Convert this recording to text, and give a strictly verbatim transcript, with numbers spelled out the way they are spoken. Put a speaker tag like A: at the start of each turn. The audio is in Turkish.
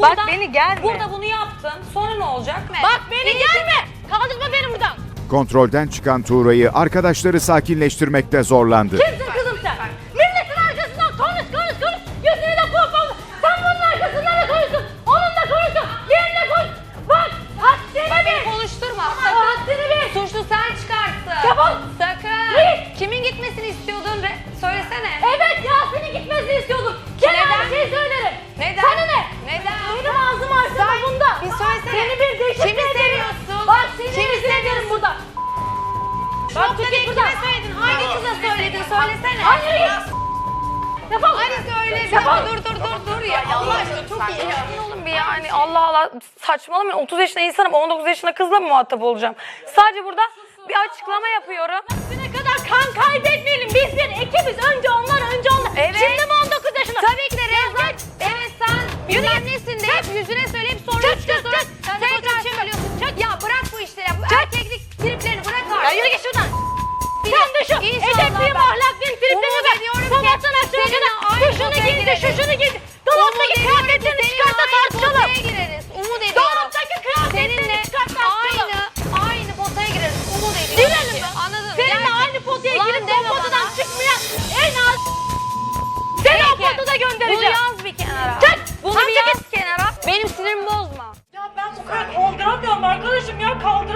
A: Bak
B: burada,
A: beni gelme.
B: Burada bunu yaptın. Sonra ne olacak?
C: Bak beni gelme. Kaldırma beni buradan.
D: Kontrolden çıkan Tuğra'yı arkadaşları sakinleştirmekte zorlandı.
C: Kimsin kızım sen? Milletin arkasından konuş konuş konuş. Yüzünü de korkma. Sen bunun arkasından da konuşsun. Onunla konuşsun. Diğerine konuş. Bak haddini bil.
B: Konuşturma.
C: Haddini bil.
B: Suçlu sen çıkarttın.
C: Defol.
B: Sakın.
C: Git.
B: Kimin gitmesini istiyordun? Re- Söylesene.
C: Evet Yasin'in gitmesini istiyordum. Gel
B: Neden?
C: her şeyi söylerim.
B: Neden?
C: Sana ne?
B: Neden?
C: Benim ağzım arsana bunda.
B: Bir söylesene.
C: Seni bir deşifre
B: Kimi
C: ederim.
B: seviyorsun?
C: Bak seni
B: Kimi
C: rezil ederim burada. Bak
B: Nokta
C: git
B: değil,
C: buradan.
B: kime söyledin? Hangi kıza söyledin? Söylesene.
C: Hayır git. Defol.
B: Hadi söyle. Bir
C: Defol.
B: dakika, dur dur dur dur ya. Allah aşkına çok iyi. Sakin olun bir yani. Allah Allah. Saçmalamayın. otuz yaşında insanım. on dokuz yaşında kızla mı muhatap olacağım? Sadece burada bir açıklama yapıyorum.
C: Ne kadar kan kaybetmeyelim. Biz bir ekibiz. Önce onlar, önce onlar.
B: Evet.
C: Şimdi mi on dokuz yaşında?
B: Tabii ki de Rezan. Evet sen bilmem nesin de hep yüzüne söyleyip sonra
C: Çık,
B: çıkıyorsun.
C: çık, çık.
B: Sen
C: Tekrar
B: tekrar söylüyorsun. Çık. Ya bırak bu işleri. Bu erkeklik triplerini bırak artık.
C: Ya yürü git şuradan. Sen de şu edepliyim, ahlaklıyım, triplerini ver. Sabahtan akşama kadar şu şunu giydi, şu şunu giydi. Dolaptaki kıyafetlerini çıkart da tartışalım.
B: Potaya gireriz. Umut ediyorum.
C: Dolaptaki kıyafetlerini
B: Seninle
C: çıkart tartışalım.
B: aynı, aynı potaya gireriz. Umut ediyorum.
C: Girelim
B: ki.
C: mi?
B: Anladın mı?
C: Seninle
B: Gerçekten.
C: aynı potaya
B: Ulan
C: girip o
B: deme
C: potadan
B: bana.
C: çıkmayan en az seni o
B: Peki,
C: potada
B: Bunu
C: göndereceğim.
B: yaz bir kenara.
C: Çık.
B: Bunu
C: Sen
B: bir
C: çekil.
B: yaz kenara. Benim sinirimi bozma.
C: Ya ben bu kadar kaldıramıyorum arkadaşım ya kaldıramıyorum.